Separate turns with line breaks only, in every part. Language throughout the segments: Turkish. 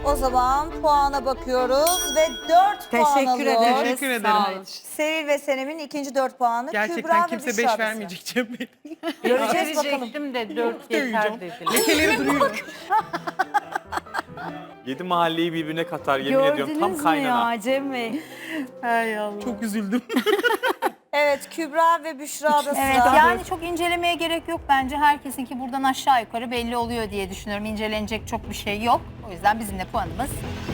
O zaman puana bakıyoruz ve 4 puan
Teşekkür
alıyor.
ederiz.
Teşekkür ederim.
Sağ olun.
Sevil ve Senem'in ikinci 4 puanı. Kübra
Gerçekten
ve
kimse
Büşra
5
bize.
vermeyecek Cem Bey.
Göreceğiz bakalım.
Verecektim de 4
Döveceğim.
yeter dediler.
Lekeleri duruyor.
7 mahalleyi birbirine katar yemin ediyorum tam kaynana.
ya Cem Bey?
Hay Allah.
Çok üzüldüm.
Evet, Kübra ve Büşra'da sıra.
Evet, yani çok incelemeye gerek yok bence. Herkesinki buradan aşağı yukarı belli oluyor diye düşünüyorum. İncelenecek çok bir şey yok. O yüzden bizim de puanımız.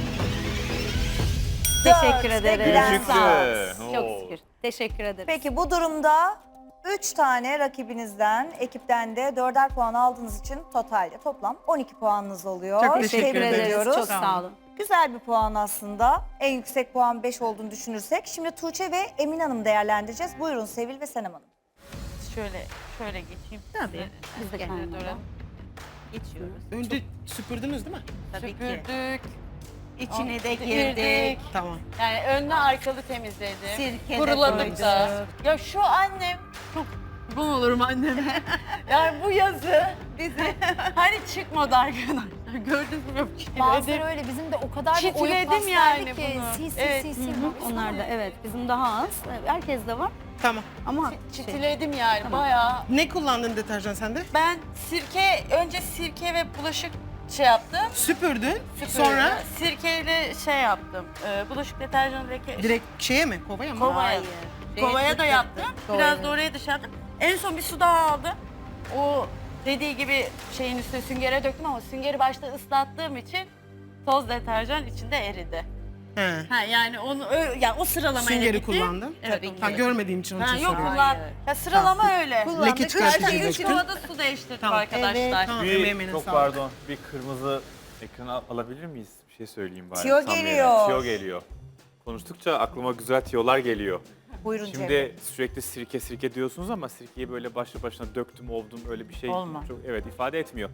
Teşekkür
Dört,
ederiz.
beklen
Küçüktü.
saat.
Çok
Oo.
şükür. Teşekkür ederiz.
Peki bu durumda 3 tane rakibinizden, ekipten de 4'er puan aldığınız için totalde toplam 12 puanınız oluyor.
Çok teşekkür
Tebrik
ederiz.
ediyoruz.
Çok sağ olun.
Güzel bir puan aslında. En yüksek puan 5 olduğunu düşünürsek. Şimdi Tuğçe ve Emin Hanım değerlendireceğiz. Buyurun Sevil ve Senem Hanım.
Şöyle geçeyim.
Tabii. Biz de kendimize.
Geçiyoruz.
Önce süpürdünüz değil mi?
Tabii ki.
Süpürdük. İçine de
Girdik.
girdik.
Tamam.
Yani önlü arkalı temizledim.
Sirke de
Kuruladık da. Ya şu annem çok bu olurum annem. Yani bu yazı bizi hani çıkmadı arkadaşlar. Gördünüz mü?
Bazıları öyle bizim de o kadar bir oyun
Çitiledim
paslardı
yani
ki.
bunu.
Sil sil
Evet.
sil sil.
Onlar da evet bizim daha az. Herkes de var
Tamam.
ama
Çitiledim yani
Tamam.
bayağı.
Ne kullandın deterjan sende?
Ben önce sirke ve bulaşık şey yaptım.
Süpürdün.
Süpürdüm.
Sonra
Sirkeyle şey yaptım. Bulaşık deterjanı leke.
direkt şeye mi? Kovaya mı?
Kovaya. Kovaya da yaptım. Biraz da oraya dışarı attım. En son bir su daha aldım. O dediği gibi şeyin üstüne süngere döktüm ama süngeri başta ıslattığım için toz deterjan içinde eridi.
He.
Ha yani yani o sıralamayla
Süngeri
gittim.
kullandın.
Evet.
Ha, görmediğim için onun
Ha,
için
yok
soruyorum.
kullan. Ya sıralama öyle.
Leke çıkartıcı
Zaten 3
döktün.
kovada su değiştirdik
Tamam.
arkadaşlar.
Tamam,
Bir,
emeğine
çok
sağlık.
pardon bir kırmızı ekrana alabilir miyiz? Bir şey söyleyeyim bari.
Tiyo
Tam yerine.
geliyor.
Tiyo geliyor. Konuştukça aklıma güzel tiyolar geliyor.
Buyurun Cem.
Şimdi sürekli sirke diyorsunuz ama sirkeyi böyle başlı başına döktüm ovdum öyle bir şey
Olmaz.
çok evet ifade etmiyor.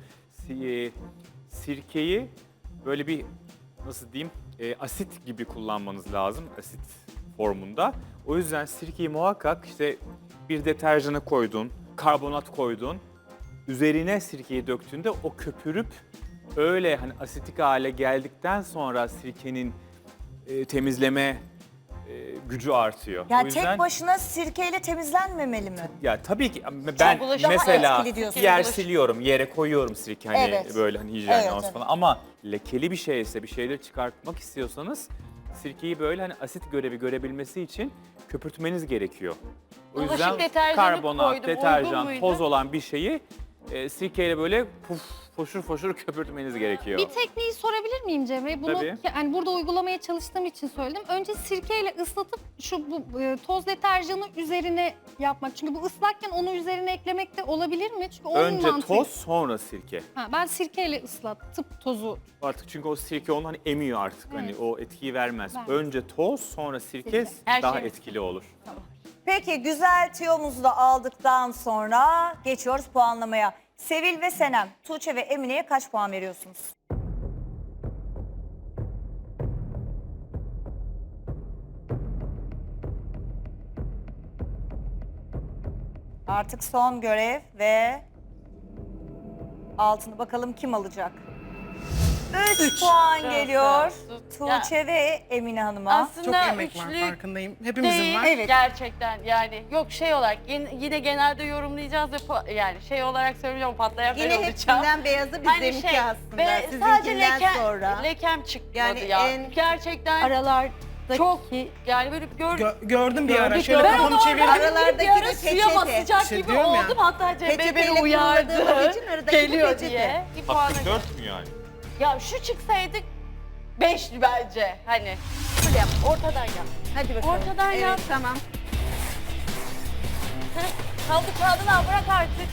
Sirkeyi böyle bir nasıl diyeyim asit gibi kullanmanız lazım asit formunda. O yüzden sirkeyi muhakkak işte bir deterjanı koydun, karbonat koydun. Üzerine sirkeyi döktüğünde o köpürüp öyle hani asitik hale geldikten sonra sirkenin temizleme gücü artıyor.
Ya
O yüzden,
tek başına sirkeyle temizlenmemeli mi?
ya tabii ki ben
bulaşık-
mesela
Daha etkili diyorsun.
yer
Bulaşık-
siliyorum, yere koyuyorum sirke hani
Evet.
böyle hani hijyen
Evet,
olsun
evet.
falan ama lekeli bir şeyse bir şeyleri çıkartmak istiyorsanız sirkeyi böyle hani asit görevi görebilmesi için köpürtmeniz gerekiyor. O
Bulaşık
yüzden
deterjanı
karbonat,
koydum, uygun
deterjan,
muydu?
toz olan bir şeyi sirkeyle böyle foşur foşur köpürtmeniz gerekiyor.
Bir tekniği sorabilir miyim Cem Bey? Bunu
Tabii.
yani burada uygulamaya çalıştığım için söyledim. Önce sirkeyle ıslatıp toz deterjanı üzerine yapmak. Çünkü bu ıslakken onu üzerine eklemek de olabilir mi? Çünkü onun
Önce
mantığı.
toz sonra sirke.
Ha, ben sirkeyle ıslatıp tozu.
Artık çünkü o sirke onu hani emiyor artık. Hani
Evet.
o etkiyi vermez.
Vermez.
Önce toz sonra sirke
Her
daha
şey-
etkili olur.
Peki güzel tiyomuzu da aldıktan sonra geçiyoruz puanlamaya. Sevil ve Senem, Tuğçe ve Emine'ye kaç puan veriyorsunuz? Artık son görev ve altını bakalım kim alacak? 3 puan geliyor Tuğçe ve Emine Hanım'a.
Çok
Aslında
emek var
üçlü
farkındayım. Hepimizin
değil
var.
Evet.
gerçekten yani yok şey olarak yine genelde yorumlayacağız ve yani şey olarak söyleyeceğim patlayan ben
yine
olacağım.
hepsinden beyazı bizimki
şey,
aslında.
ve sadece
Sizinkinden sonra.
lekem çıkmadı
Yani
ya.
en
Gerçekten
Aralardaki
çok yani böyle
Gördüm bir ara. Şöyle
ben
kafamı
onu
çevirdim.
Aralardaki
bir ara
de
suya
peçete.
basacak
İşte
gibi
diyorum ya.
oldum. Hatta Cem Bey beni
Peçeteyle
uyardı.
kullandığımız için aradaki
Geliyor
peçete.
diye. Bir puana
Hakkı 4 mü yani?
Ya şu çıksaydık 5'li bence. Hani şöyle yap, ortadan yap.
Hadi bakalım.
Ortadan
evet,
yap.
tamam.
Kaldı kağıdını al, bırak artık.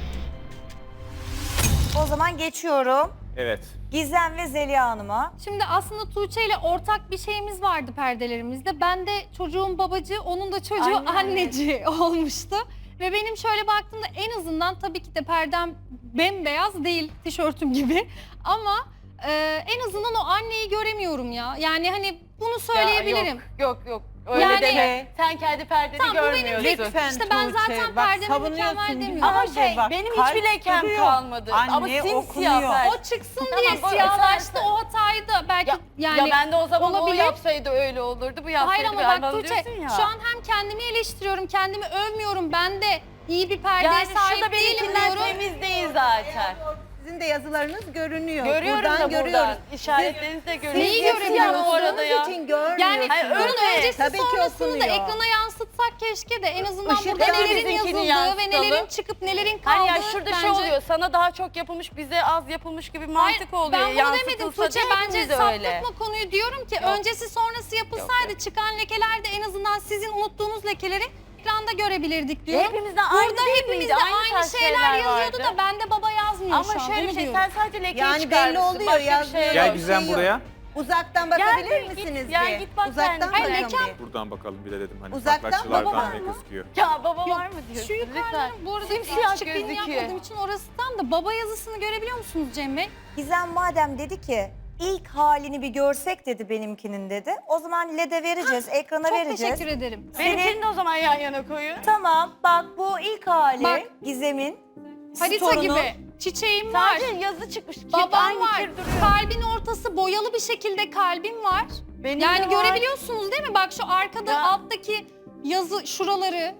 O zaman geçiyorum.
Evet.
Gizem ve Zeliha Hanım'a.
Şimdi aslında Tuğçe ile ortak bir şeyimiz vardı perdelerimizde. Ben de çocuğun babacı, onun da çocuğu
Aynen.
anneci olmuştu. Ve benim şöyle baktığımda en azından tabii ki de perdem bembeyaz değil, tişörtüm gibi. Ama en azından o anneyi göremiyorum ya. Yani hani bunu söyleyebilirim.
Yok. Öyle
Yani-
deme. Sen kendi perdeni
Tamam, bu benim
görmüyorsun.
Lütfen
İşte ben
Tuğçe,
zaten
bak
perdemi
savunuyorsun
mükemmel
gibi.
demiyorum.
Ama
Bence bak,
benim
kalp
hiçbir lekem
duruyor.
kalmadı. Ama
Anne
simsiyah
okunuyor.
perde.
O çıksın
Tamam,
diye
o-
siyahlaştı,
sen-
o hatayı da belki
Ya,
yani...
ya ben de o zaman
olabilir.
o yapsaydı öyle olurdu. Bu yapsaydı
Hayır ama
bir
bak
Tuğçe,
Tuğçe,
diyorsun ya.
şu an hem kendimi eleştiriyorum, kendimi övmüyorum. Ben de iyi bir perdeye
yani
sahip
şu da
değilim
benimkinden
diyorum.
temiz değil zaten.
Sizin de yazılarınız görünüyor.
Görüyorum
buradan
da
görüyoruz.
buradan. İşaretlerinizi de görüyorum.
Neyi
Simsiyah
göremiyorsunuz?
bu arada ya.
için görmüyorsunuz.
Yani
Hayır,
bunun
öyle.
öncesi
Tabii ki
sonrasını da
okunuyor.
ekrana yansıtsak keşke de en azından
Işık
burada
da
nelerin
bizimkini
yazıldığı ve
yansıtalım.
nelerin çıkıp nelerin kaldığı
Hani ya şurada şey
bence...
oluyor. Sana daha çok yapılmış, bize az yapılmış gibi
Hayır,
mantık oluyor.
ben bunu demedim
Yansıtılsa
Tuğçe.
da
Bence
hepimiz öyle.
saptırma konuyu, diyorum ki öncesi sonrası yapılsaydı çıkan lekeler de en azından sizin unuttuğunuz lekeleri ekranda görebilirdik diyorum.
Hepimizde aynı
Burada
değil
hepimizde
miydi? Aynı
aynı
tarz
şeyler yazıyordu
vardı.
da bende baba yazmıyor şu
Ama
an.
şöyle
onu
bir şey,
diyorum.
sen sadece lekeyi
Yani belli
çıkarmışsın.
oluyor,
Başka bir
yazmıyor.
şey
Gel
yok.
Gizem
şey yok.
buraya.
Uzaktan bakabilir
Gel, git.
misiniz
Ya
bir?
git bak
Uzaktan
sen.
Hayır,
bakın
lekem-
bir.
Buradan bakalım bir de dedim hani
Uzaktan
farklı
baba
açılardan
var
ne
mı?
gözüküyor.
Ya baba
Yok,
var mı diyorsun?
şu
Lütfen.
yukarıdan bu arada
Simsiyah
çıkbini
gözüküyor.
yapmadığım için orası tam da baba yazısını görebiliyor musunuz Cem Bey?
Gizem madem dedi ki ilk halini bir görsek dedi benimkinin dedi. O zaman LED'e vereceğiz, ekrana
Çok
vereceğiz.
teşekkür ederim.
Benimkini de o zaman yan yana koyun.
Tamam bak bu ilk hali
Bak.
Gizem'in
Harita
sorunu.
gibi. Çiçeğim var.
Sadece yazı çıkmış. Kir,
Babam
aynı
var.
kir duruyor.
Kalbin ortası boyalı bir şekilde kalbim var.
Benim
Yani
de var.
görebiliyorsunuz değil mi? Bak şu arkada
Ya.
alttaki yazı şuraları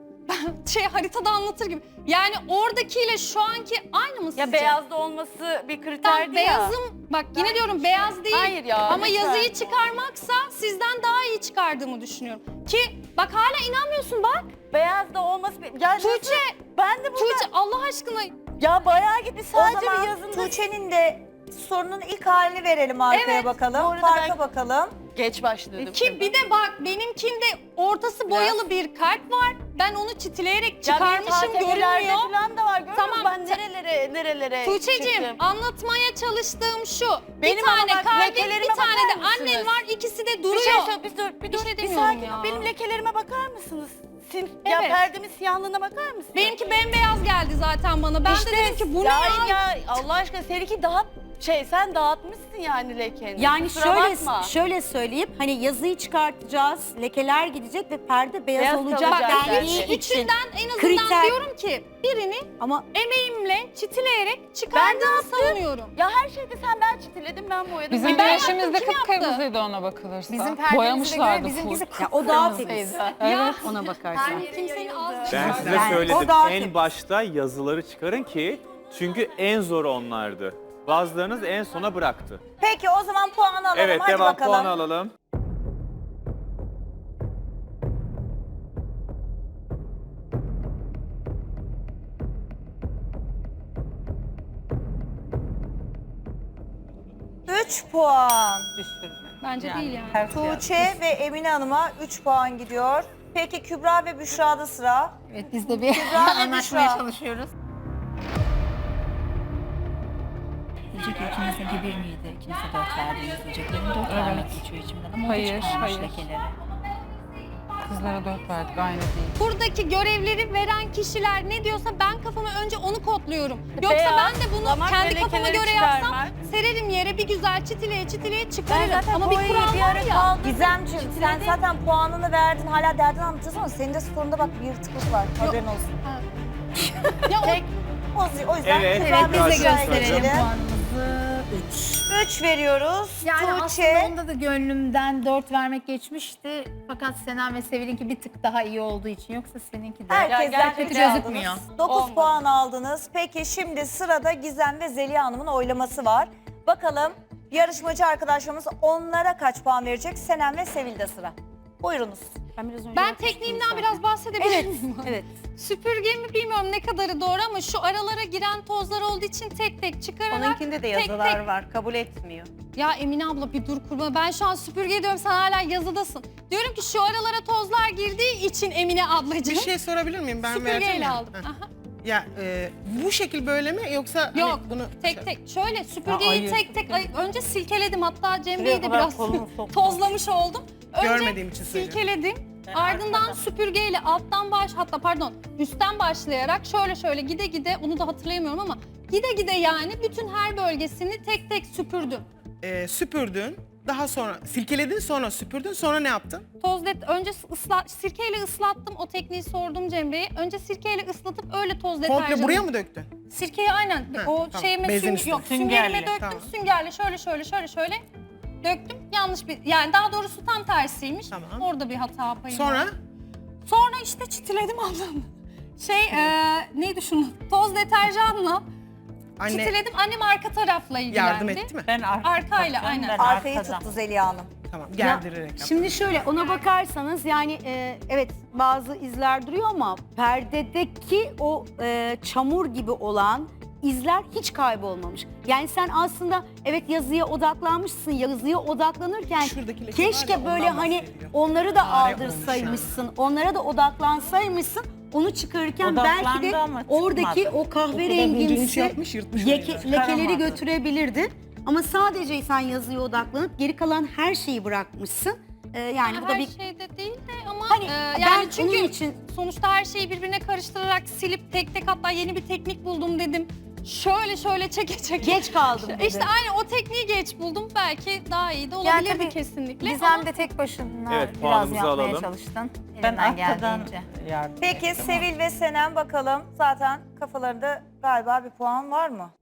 haritada anlatır gibi. Yani oradakiyle şu anki aynı mı sizce?
Ya beyazda olması bir
Tam
kriterdi ya.
beyazım, bak yine diyorum beyaz değil.
Hayır ya,
Ama
lütfen.
yazıyı çıkarmaksa sizden daha iyi çıkardığımı düşünüyorum. Ki bak hala inanmıyorsun bak.
Beyazda olması... Ya
Tuğçe,
nasıl- Ben de burada...
Tuğçe Allah aşkına
Ya bayağı gitti
O
sadece
zaman
bir yazında...
Tuğçe'nin de sorunun ilk halini verelim arkaya
Evet,
bakalım.
orada
Farka
ben-
bakalım.
Geç başladım.
ki bir de bak benimkinde ortası boyalı bir kalp var. Ben onu çitleyerek çıkarmışım görünmüyor.
falan da var. Görüyor
Tamam,
musun? Ben nerelere
Tuğçe'cim
çıktım.
anlatmaya çalıştığım şu.
Benim
bir tane
ama bak,
kalbim,
lekelerime
bir tane de
bakar mısınız?
annen var. İkisi de
Bir
duruyor.
şey söyle, bir dur,
şey
bir
demiyorum
sakin
ya.
ol. Benim lekelerime bakar mısınız? Ya
Evet.
perdemin siyahlığına bakar mısın?
Benimki bembeyaz geldi zaten bana. Ben de dedim ki bu ne
ya,
ya?
ya Allah aşkına seninki daha sen dağıtmışsın yani lekeni.
Yani
Kusura bakma.
şöyle söyleyeyim, hani yazıyı çıkartacağız, lekeler gidecek ve perde beyaz,
Beyaz
olacak
kalacak
dendiği
zaten.
için.
İçinden en azından
kriter-
diyorum ki birini
Ama
emeğimle çitileyerek çıkardığımı savunuyorum.
Ya her şeyde sen çitiledim ben boyadım.
Bizim
Ben
güneşimiz de
yaptım, kim yaptı?
kıpkırmızıydı ona bakılırsa.
Bizim perdemize
Boyamışlardı
göre bizimkisi
ya o daha temiz.
kıpkırmızıydı.
Evet.
Ona bakarsan.
Kimsenin az
Ben size
Yani
söyledim
o daha
en
temiz.
başta yazıları çıkarın ki çünkü en zor onlardı. Bazılarınız en sona bıraktı.
Peki o zaman puanı alalım.
Evet
Hadi
devam
bakalım.
puanı alalım.
Üç puan.
Bence değil yani.
Tuğçe ve Emine Hanım'a 3 puan gidiyor. Peki Kübra ve Büşra'da sıra.
Evet biz de bir
Kübra ve
anlaşmaya
Büşra.
çalışıyoruz.
Diyecek ki ikinizinki bir miydi? İkinize 4 verdiniz diyeceklerim. 4 vermek geçiyor içimden ama
Hayır,
o da çıkarmış
hayır.
lekeleri.
Kızlara 4 verdik aynı değil.
Buradaki görevleri veren kişiler ne diyorsa ben kafama önce onu kodluyorum. Yoksa
Beyaz,
ben de bunu
lamak
kendi
ve
kafama
lekeleri
göre yapsam
çıkarmak.
sererim yere bir güzel çitileye çitileye
Ben
çıkarırım.
zaten
Ama bir
boyayı
kural
bir
var
ara
ya.
kaldım.
Gizemciğim sen zaten puanını verdin. Hala derdini anlatacağız ama senin de sorunda bak bir yırtıklık var. Haberin olsun.
Ya o-
O yüzden
Evet,
Kübra
evet,
ve
biz de
Büşra'ya
Gösterelim
geçelim.
puanımızı 3.
3 veriyoruz.
Yani
Tuğçe.
aslında onda da gönlümden 4 vermek geçmişti. Fakat Senem ve Sevil'inki bir tık daha iyi olduğu için. Yoksa seninki de.
Herkesten
gerçekten
3
gözükmüyor.
aldınız. 9
Olmadı.
puan aldınız. Peki şimdi sırada Gizem ve Zeliha Hanım'ın oylaması var. Bakalım yarışmacı arkadaşlarımız onlara kaç puan verecek? Senem ve Sevil'de sıra. Buyurunuz.
Ben tekniğimden biraz bahsedebilir miyim?
Evet.
Süpürgemi bilmiyorum ne kadarı doğru ama şu aralara giren tozlar olduğu için tek tek çıkararak
Onunkinde de
tek
yazılar
tek-
var. Kabul etmiyor.
Ya Emine abla bir dur kurma. Ben şu an süpürge diyorum sen hala yazıdasın. Diyorum ki şu aralara tozlar girdiği için Emine ablacığım.
Bir şey sorabilir miyim? Ben vereceğim
Süpürgeyle
ya.
aldım.
Heh.
Aha.
Ya bu şekil böyle mi yoksa hani
Yok,
bunu
tek tek. Şöyle süpürgeyi tek tek önce silkeledim. Hatta Cem Bey'i de
kadar
biraz
kolunu soktum.
tozlamış oldum. Önce
Görmediğim için söylüyorum.
silkeledim. Ardından süpürgeyle üstten başlayarak şöyle şöyle gide gide onu da hatırlayamıyorum ama Gide gide yani bütün her bölgesini tek tek süpürdüm.
Süpürdün. Daha sonra silkeledin, sonra süpürdün. Sonra ne yaptın?
Önce sirkeyle ıslattım. O tekniği sordum Cem Bey'e. Önce sirkeyle ıslatıp öyle toz deterjanı.
Komple buraya mı döktün?
Sirkeyi aynen
Ha,
o
tamam.
şeyime
Bezin üstüne.
süngerime döktüm.
Tamam.
Süngerle şöyle döktüm. Yanlış bir yani daha doğrusu tam tersiymiş.
Tamam.
Orada bir hata payım
Sonra
var. Sonra işte çitiledim ablam. Neydi şunu? Toz deterjanla çitiledim. Annem arka tarafla ilgilendi.
yardım etti mi?
Arkayla aynen.
Arkayı tuttu Zeliha Hanım.
Tamam, gerdirerek yaptın.
Şimdi şöyle ona bakarsanız yani evet bazı izler duruyor ama perdedeki o çamur gibi olan izler hiç kaybolmamış. Yani sen aslında evet yazıya odaklanmışsın. Yazıya odaklanırken
Şuradaki leke var
keşke
ya,
böyle
ondan
hani
bahsediyor.
onları da
Fare
aldırsaymışsın. Onlara da odaklansaymışsın. Onu çıkarırken belki de oradaki o
Gücünü
kahverengimsi
yapmış, yırtmış.
lekeleri götürebilirdi. Ama sadece sen yazıya odaklanıp geri kalan her şeyi bırakmışsın. Yani bu da
Her
bir
şeyde değil de ama
Hani
yani
ben
çünkü
onun için
sonuçta her şeyi birbirine karıştırarak silip tek tek hatta yeni bir teknik buldum dedim. Şöyle çeke.
geç kaldım dedi.
İşte aynı o tekniği geç buldum. Belki daha iyi de
Yani
olabilirdi
tabii
kesinlikle.
Gizem de tek başına
Evet,
biraz
puanımızı
yapmaya
alalım.
çalıştın. Ben arkadan
Peki Sevil ve Senem bakalım. Zaten kafalarında galiba bir puan var mı?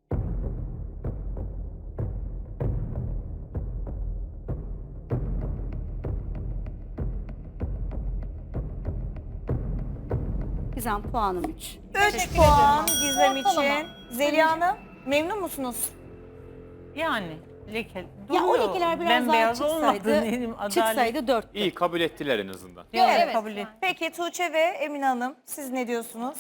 Gizem puanım 3.
3 puan Gizem
Ortalama.
için. Zeliha Hanım memnun musunuz?
Yani leke
Ya o
duruyor.
lekeler biraz daha
Bembeyaz olmadı
çıksaydı,
diyelim, adalet.
çıksaydı 4.
İyi, kabul ettiler en azından.
Evet.
kabul et.
Peki Tuğçe ve Emine Hanım siz ne diyorsunuz?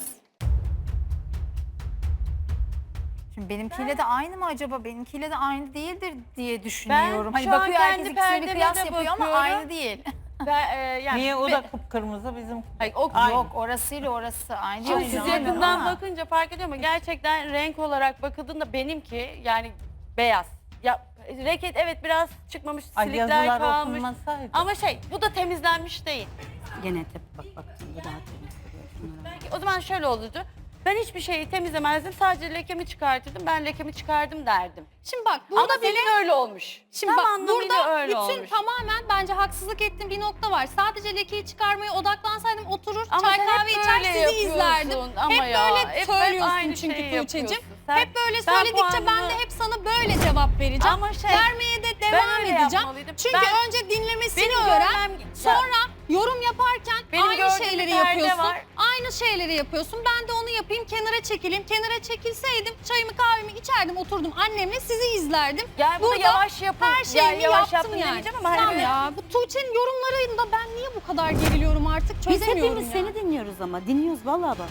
Şimdi benimkiyle de aynı mı acaba? Benimkiyle de aynı değildir diye düşünüyorum.
Ben
Hani
şu an
bakıyor herkes
kendi
ikisine bir
perdeme
kıyas
de
yapıyor ama
bakıyorum.
aynı değil.
Yani
Niye o da kıpkırmızı bizim?
Hayır, o
Aynı.
Yok orasıyla orası aynı.
Şimdi
değil.
siz
Aynı
yakından
ama
bakınca fark ediyor ama gerçekten renk olarak bakıldığında benimki yani beyaz. Ya reket evet biraz çıkmamış, silikler
yazılar
kalmış.
okunmasaydı.
Ama bu da temizlenmiş değil.
Gene bak bu daha temiz duruyor. Şunlara bak.
Belki o zaman şöyle olurdu. Ben hiçbir şeyi temizlemezdim. Sadece lekemi çıkartırdım. Ben lekemi çıkardım derdim.
Şimdi bak
Ama
burada bile
senin öyle olmuş.
Şimdi
Tam
bak
anlamıyla
burada
öyle
bütün
olmuş.
tamamen bence haksızlık ettiğim bir nokta var. Sadece lekeyi çıkarmaya odaklansaydım oturur
Ama
çay
sen
kahve
hep
içer
böyle
sizi
yapıyorsun
izlerdim.
ama
hep
ya,
böyle
hep
söylüyorsun
aynı
çünkü
şeyi
Tuğçe'cim.
yapıyorsun. Sen-
Hep böyle
ben
söyledikçe ben
puanımı-
de hep sana böyle cevap vereceğim.
Ama
Vermeye de devam
öyle
edeceğim.
yapmalıydım.
Çünkü
Ben-
önce dinlemesini
Benim
öğren.
görmem-
Sonra yorum yaparken
Benim
aynı
gördüğüm
şeyleri
bir perde
yapıyorsun.
var.
Aynı şeyleri yapıyorsun. Ben de onu yapayım, kenara çekileyim. Kenara çekilseydim çayımı kahvemi içerdim, oturdum annemle sizi izlerdim.
Yani bunu yavaş yapın.
Her şeyimi
yavaş
yaptım
yaptın
yani.
demeyeceğim ama hani
Tamam
böyle-
ya bu Tuğçe'nin yorumlarında ben niye bu kadar geriliyorum artık
Biz
çözemiyorum
hepimiz
ya.
seni dinliyoruz ama. Dinliyoruz vallahi bak.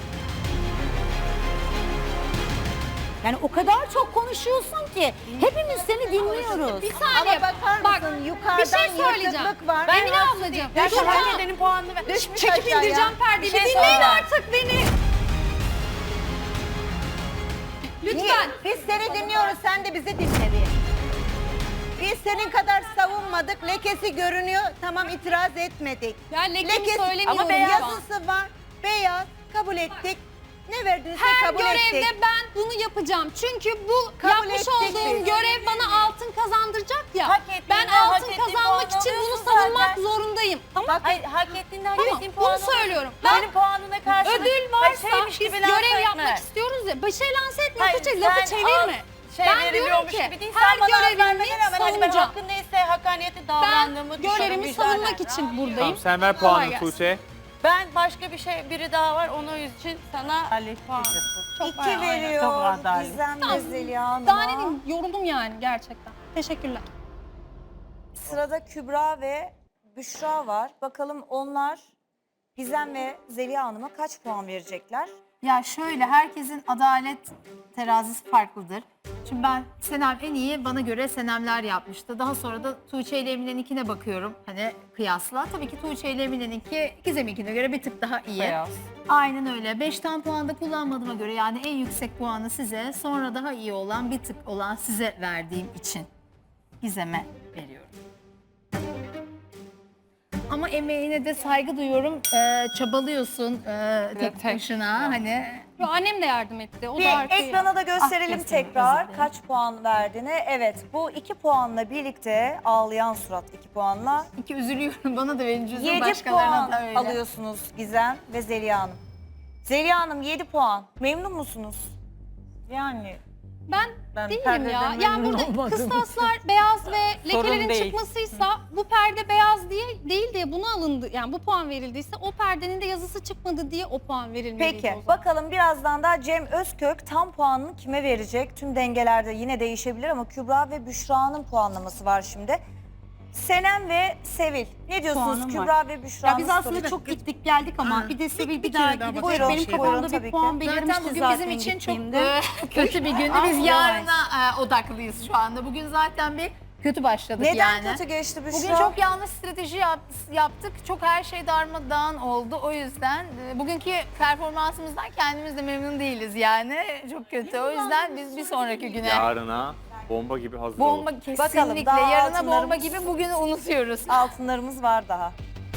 Yani o kadar çok konuşuyorsun ki hepimiz seni dinliyoruz.
Bir saniye.
Ama bakar
Bak,
mısın
bir
yukarıdan
şey söyleyeceğim.
yırtıklık var.
Emine ablacığım.
Ben
Dur
hak
ya.
edenin puanını ver.
Düşmüş
Çekip
aşağıya.
indireceğim perdeyi.
Bir şey
Dinleyin
söyle.
artık beni. Lütfen.
Biz seni dinliyoruz, sen de bizi dinle diye. Biz senin kadar savunmadık, lekesi görünüyor, tamam itiraz etmedik.
Ya lekemi söylemiyorum.
ama
ya.
yazısı var, beyaz, kabul ettik. Ne verdiyse
Her
kabul
görevde
ettik.
ben bunu yapacağım. Çünkü bu
Kabul
yapmış
ettik
olduğum
biz.
görev bana altın kazandıracak ya.
Hak ettiğinde
Ben
hak
altın
ettiğin
kazanmak
puanı
için bunu
alıyorsun
savunmak
zaten.
zorundayım. Tamam.
Bak, hayır, hak ettiğinde hak
Tamam,
ettiğin
bunu
puanı
söylüyorum.
Ben,
Ben-
Benim puanına karşılık
Ödül varsa
şeymiş
biz
gibi lanse
görev
etme.
yapmak istiyoruz ya. Bir şey lanse etme,
Hayır,
Tuğçe, lafı
sen
çevirme.
Şey
Ben diyorum
veriliyormuş
ki
gibi değil.
her
Sen bana
görevimi
vermene rağmen hani ben
savunacağım.
hakkın neyse hakaniyetli
Ben
davrandığımı düşünüyorum.
görevimi
vicdanen.
savunmak için buradayım.
Tamam, sen ver
Kolay
puanını
gelsin.
Tuğçe.
Ben başka bir şey biri daha var onun için sana puan.
Çok
2
aynen.
veriyor
Çok adaletli.
Gizem ve Zeliha
Daha ne
Hanım'a.
diyeyim, yoruldum yani gerçekten. Teşekkürler.
Sırada Kübra ve Büşra var. Bakalım onlar Gizem ve Zeliha Hanım'a kaç puan verecekler?
Ya şöyle herkesin adalet terazisi farklıdır. Şimdi ben Senem en iyi bana göre Senemler yapmıştı. Daha sonra da Tuğçe ile Emine'ninkine bakıyorum. Hani kıyasla. Tabii ki Tuğçe ile Emine'ninki Gizem'inkine göre bir tık daha iyi.
Beyaz.
Aynen öyle. 5'ten puan da kullanmadığıma göre yani en yüksek puanı size, sonra daha iyi olan bir tık olan size verdiğim için Gizem'e veriyorum. Ama emeğine de saygı duyuyorum. Çabalıyorsun tek
tek
başına. Hani
Yo, annem de yardım etti. O da
Bir
arkaya.
ekrana da gösterelim
Ah,
tekrar
kesin,
kaç puan verdiğini. Evet, bu 2 puanla birlikte ağlayan surat 2 puanla
İki üzülüyorum bana da verin cüzdanı
7
başkalarına
puan
da öyle.
alıyorsunuz Gizem ve Zeliha Hanım. Zeliha Hanım 7 puan. Memnun musunuz?
Yani
Ben değilim ya.
perdeden
Yani
memnun
burada
olmadım.
kıstaslar beyaz ve
Sorun
lekelerin
değil.
çıkmasıysa bu perde beyaz değil diye buna alındı. Yani bu puan verildiyse o perdenin de yazısı çıkmadı diye o puan verilmeliydi
Peki,
o zaman.
bakalım birazdan da Cem Özkök tam puanını kime verecek? Tüm dengelerde yine değişebilir ama Kübra ve Büşra'nın puanlaması var şimdi. Senem ve Sevil. Ne diyorsunuz
Puanım
Kübra ve Büşra'nın
Ya biz aslında
sorusu?
çok gittik geldik ama bir de Sevil bir
kere
daha
daha
gidip
bakalım.
benim
Buyurun,
kafamda
buyurun, tabii
bir
ki.
puan
Zaten
belirmişti
bugün
zaten
bizim için çok
gittiğimde.
kötü bir gündü. Biz
Yavaş.
yarına odaklıyız şu anda. Bugün zaten bir kötü başladık
Neden
yani.
kötü geçti Büşra?
Bugün çok yanlış strateji yaptık. Çok her şey darmadağın oldu. O yüzden bugünkü performansımızdan kendimiz de memnun değiliz yani. Çok kötü. O yüzden biz bir sonraki güne
Yarına bomba gibi hazır olun.
bomba kesinlikle
Bakalım, daha
yarına bomba
altınlarımız-
gibi bugünü unutuyoruz.
Altınlarımız var daha.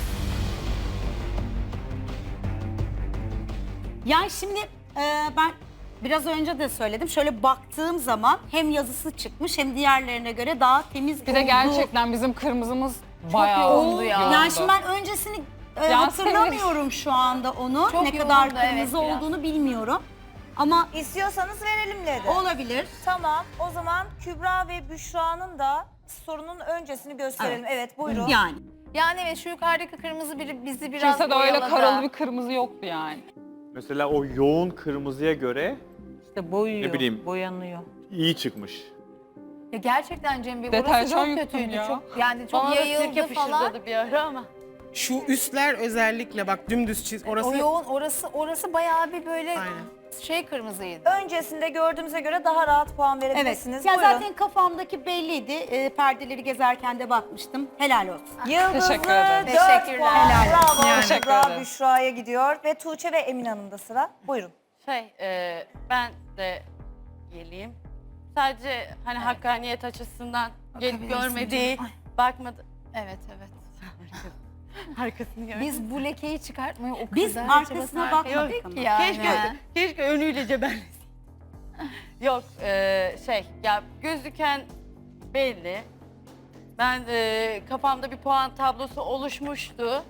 Yani şimdi ben biraz önce de söyledim. Şöyle baktığım zaman hem yazısı çıkmış hem diğerlerine göre daha temiz
Bir de
olduğu-
gerçekten bizim kırmızımız bayağı
yoğundu ya.
yoğundu.
Yani şimdi ben öncesini hatırlamıyorum şu anda onu.
Çok
ne kadar
yoğundu, evet,
kırmızı
biraz.
olduğunu bilmiyorum. Ama
İstiyorsanız verelim dedi.
olabilir.
Tamam, o zaman Kübra ve Büşra'nın da sorunun öncesini gösterelim. Evet, buyurun.
Yani.
Yani evet şu yukarıdaki kırmızı bizi biraz
Kimse de öyle
oyaladı.
karalı bir kırmızı yoktu yani.
Mesela o yoğun kırmızıya göre
İşte boyuyor,
Ne bileyim.
boyanıyor.
iyi çıkmış.
Ya gerçekten Cem Bey orası
Deterjan
çok
yuttum
kötüydü.
ya.
Çok yani çok
Bana da
yayıldı
sirke
falan.
fışırdadı bir ara ama.
Şu üstler özellikle bak dümdüz çiz. Orası
O yoğun orası bayağı bir böyle
Aynen.
şey kırmızıydı.
Öncesinde gördüğümüze göre daha rahat puan
Evet.
verebilirsiniz.
Ya
Buyurun.
zaten kafamdaki belliydi. Perdeleri gezerken de bakmıştım. Helal olsun.
Yıldızlı
Teşekkür ederim.
4
Teşekkürler.
puan.
Helal
Bravo.
Yani.
Teşekkür
Kübra
ederim.
Büşra'ya gidiyor ve Tuğçe ve Emin Hanım'da sıra. Buyurun.
Ben de geleyim. Sadece hani hakkaniyet açısından gelip
Bakabilirsin
görmediği,
canım.
bakmadı.
Evet evet.
Arkasını görmedi.
Biz bu lekeyi çıkartmayı o
Biz
kadar
arkasına
çabasına
bakmadık
harcadık
ama.
ki yani.
Keşke önüyle cebellesin. Yok ya gözüken belli. Ben kafamda bir puan tablosu oluşmuştu.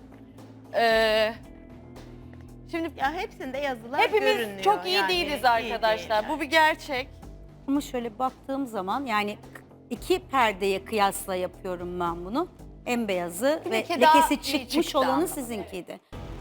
Şimdi
Ya hepsinde yazılar
hepimiz
görünüyor.
çok iyi
Yani
değiliz
iyi
arkadaşlar.
değiller.
Bu bir gerçek.
Ama şöyle baktığım zaman yani iki perdeye kıyasla yapıyorum ben bunu. En beyazı
Bir
ve
leke daha
lekesi
iyi
çıkmış
çıktı
olanı
ama.
sizinkiydi.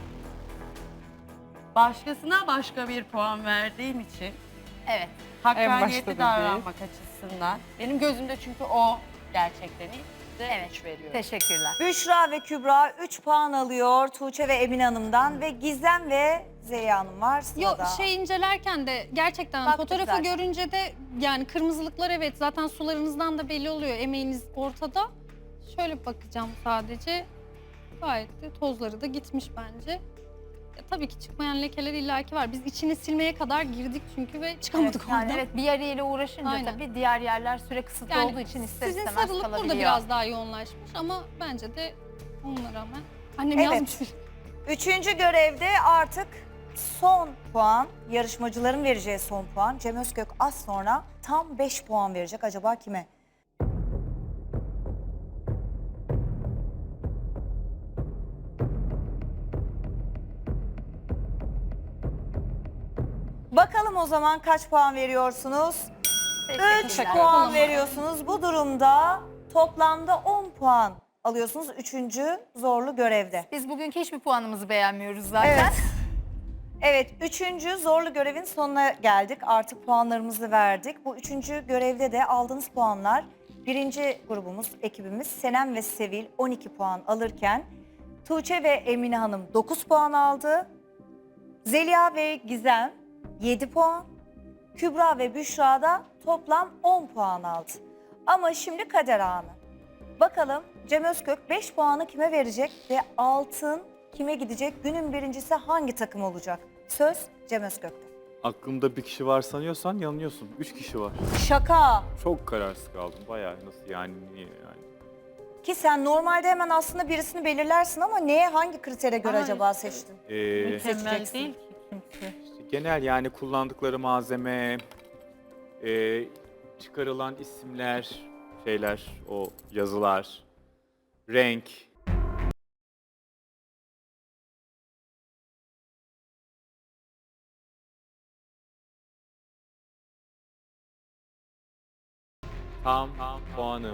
Başkasına başka bir puan verdiğim için
Evet.
başta
hakkaniyetli
dediği.
davranmak açısından. Benim gözümde çünkü o gerçekten iyi. Size
Evet.
3 veriyorum.
Teşekkürler.
Büşra ve Kübra 3 puan alıyor Tuğçe ve Emin Hanım'dan ve Gizem ve Zeliha Hanım var
Yok
sırada.
şey incelerken de gerçekten
Baktık
fotoğrafı
zaten.
görünce de yani kırmızılıklar evet zaten sularınızdan da belli oluyor. Emeğiniz ortada. Şöyle bakacağım sadece. Gayet de tozları da gitmiş bence. Ya, tabii ki çıkmayan lekeler illaki var. Biz içini silmeye kadar girdik çünkü ve çıkamadık
Yani
oradan.
evet bir yeriyle uğraşınca
Aynen.
tabii diğer yerler süre kısıtlı
Yani
olduğu için ister
sizin
istemez
sarılık burada
kalabiliyor.
biraz daha yoğunlaşmış ama bence de onunla rağmen annem
Evet.
yazmış.
Üçüncü görevde artık son puan, yarışmacıların vereceği son puan. Cem Özkök az sonra tam 5 puan verecek. Acaba kime? Bakalım o zaman kaç puan veriyorsunuz? 3 puan veriyorsunuz. Bu durumda toplamda 10 puan alıyorsunuz 3. zorlu görevde.
Biz bugünkü hiçbir puanımızı beğenmiyoruz zaten.
Evet. Evet, 3. zorlu görevin sonuna geldik. Artık puanlarımızı verdik. Bu 3. görevde de aldığınız puanlar birinci grubumuz, ekibimiz Senem ve Sevil 12 puan alırken Tuğçe ve Emine Hanım 9 puan aldı. Zeliha ve Gizem 7 puan. Kübra ve Büşra da toplam 10 puan aldı. Ama şimdi kader anı. Bakalım Cem Özkök 5 puanı kime verecek ve altın kime gidecek? Günün birincisi hangi takım olacak? Söz Cem Özkök'te.
Aklımda bir kişi var sanıyorsan yanılıyorsun. 3 kişi var.
Şaka.
Çok kararsız kaldım. Bayağı nasıl yani niye yani.
Ki sen normalde hemen aslında birisini belirlersin ama neye hangi kritere göre
Ama
acaba seçtin?
Mükemmel
Seçeceksin.
değil ki kimse.
İşte Genel yani kullandıkları malzeme, çıkarılan isimler, şeyler, o yazılar, renk. Tam puanım.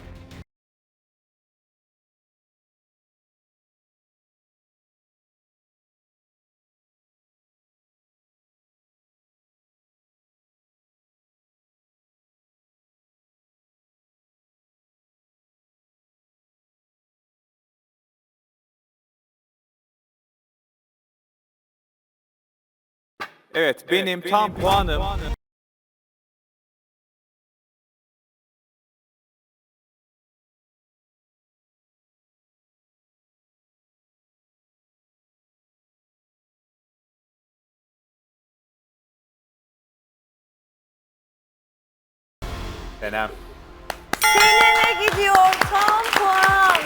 Evet, benim tam puanım. Senem.
Senem'e gidiyor tam puan.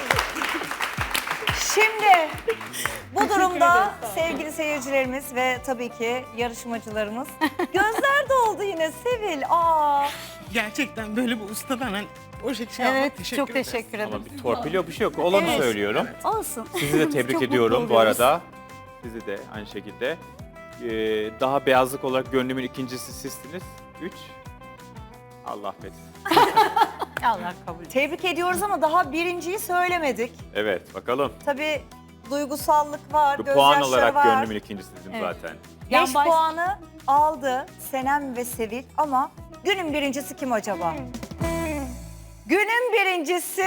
Şimdi bu durumda sevgili seyircilerimiz ve tabii ki yarışmacılarımız gözler doldu yine Sevil.
Gerçekten böyle bir ustadan hani o şekilde
Evet,
teşekkür
çok
ederiz.
teşekkür ederim.
Ama bir torpil yok, bir şey yok. Olanı
Evet.
söylüyorum.
Olsun.
Sizi de tebrik
Çok
ediyorum
mutlu
bu
oluyoruz.
arada. Sizi de aynı şekilde. Daha beyazlık olarak gönlümün ikincisi sizsiniz. 3. Allah affetsin.
Allah kabul etsin.
Tebrik ediyoruz ama daha birinciyi söylemedik.
Evet, bakalım.
Tabii duygusallık var,
Bu puan
gözyaşları
olarak
var.
gönlümün ikincisiydim
Evet.
zaten.
5 puanı aldı Senem ve Sevil ama günün birincisi kim acaba? Günün birincisi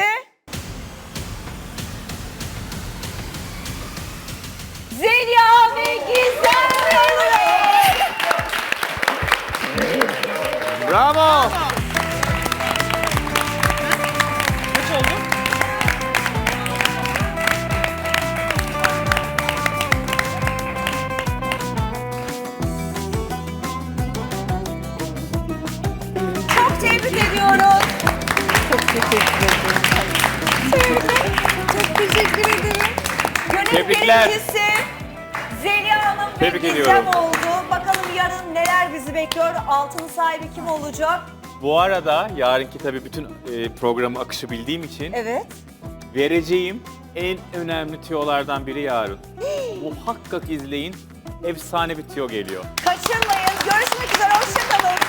Zeliha ve Gizem Mehmet.
Bravo!
Kaç oldu?
Çok tebrik ediyoruz.
Çok teşekkür ederim.
Çok teşekkür ederim. Günün
Tebrikler.
birincisi Zeliha Hanım ve
Tebrik
Gizem
ediyorum.
oldu. Bakalım yarın neler bizi bekliyor? Altın sahibi kim olacak?
Bu arada yarınki tabii bütün programı akışı bildiğim için
Evet.
vereceğim en önemli tüyolardan biri yarın. Muhakkak izleyin. Efsane bir tüyo geliyor.
Kaçırmayın. Görüşmek üzere. Hoşçakalın.